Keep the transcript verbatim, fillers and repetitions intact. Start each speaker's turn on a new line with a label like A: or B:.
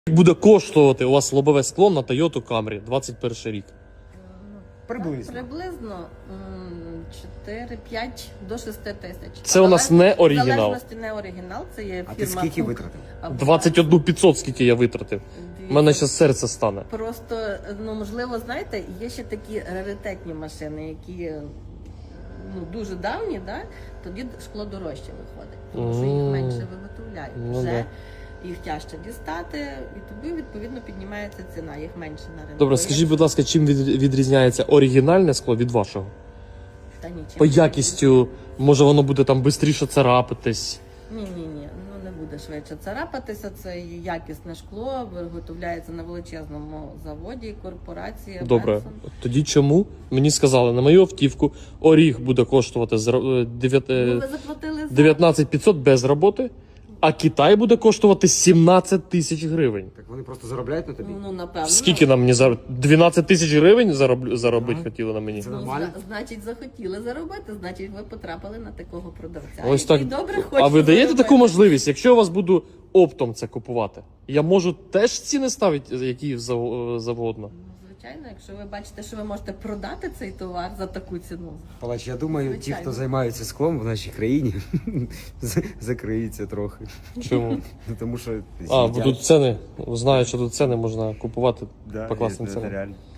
A: Буде коштувати у вас лобове скло на Toyota Camry двадцять перший рік?
B: Приблизно.
C: Приблизно чотири-п'ять до шести тисяч.
A: Це у нас не оригінал.
C: В залежності не оригінал, це є
B: А ти
C: фірма
B: скільки
C: Кук.
B: витратив?
C: Або-
A: двадцять один п'ятсот, скільки я витратив. У мене зараз серце стане.
C: Просто, ну можливо, знаєте, є ще такі раритетні машини, які ну, дуже давні, да? Тоді шкло дорожче виходить, тому що їх
A: Мгм.
C: менше виготовляють.
A: Ну,
C: Вже
A: да.
C: їх тяжче дістати, і тобі відповідно піднімається ціна, їх менше на ринку.
A: Добре, скажіть, будь ласка, чим від- відрізняється оригінальне скло від вашого?
C: Та нічим.
A: По якістю, може воно буде там швидше царапитись?
C: Ні, ні, ні, ну не буде швидше царапатися. Це є якісне шкло, виготовляється на величезному заводі, корпорації.
A: Добре,
C: Benson.
A: тоді чому? Мені сказали, на мою автівку оріг буде коштувати з ро- дев'ят-
C: Ну,
A: е,
C: ви заплатили за...
A: дев'ятнадцять п'ятсот без роботи, а Китай буде коштувати сімнадцять тисяч гривень.
B: Так вони просто заробляють на тобі?
C: Ну, напевно.
A: Скільки нам мені зар... дванадцять тисяч гривень зароб... заробити
B: Ага.
A: хотіли на мені?
B: Це
C: Ну,
B: нормально?
C: зна- значить, захотіли заробити, значить, ви потрапили на такого продавця.
A: Ось
C: який
A: так.
C: добре
A: А
C: хоче
A: ви даєте
C: заробити.
A: таку можливість, якщо я вас буду оптом це купувати, я можу теж ціни ставити, які зав- завгодно.
C: Ну, звичайно, якщо ви бачите, що ви можете продати цей товар за таку ціну.
B: Палач, я думаю, ті,
C: Звичайно.
B: хто займаються склом в нашій країні, з- закриються трохи.
A: Чому?
B: Ну, тому що
A: А, бо
B: з'їдять.
A: тут ціни, знаю, що тут ціни можна купувати
B: Да,
A: по класним
B: це
A: цінам.
B: реально.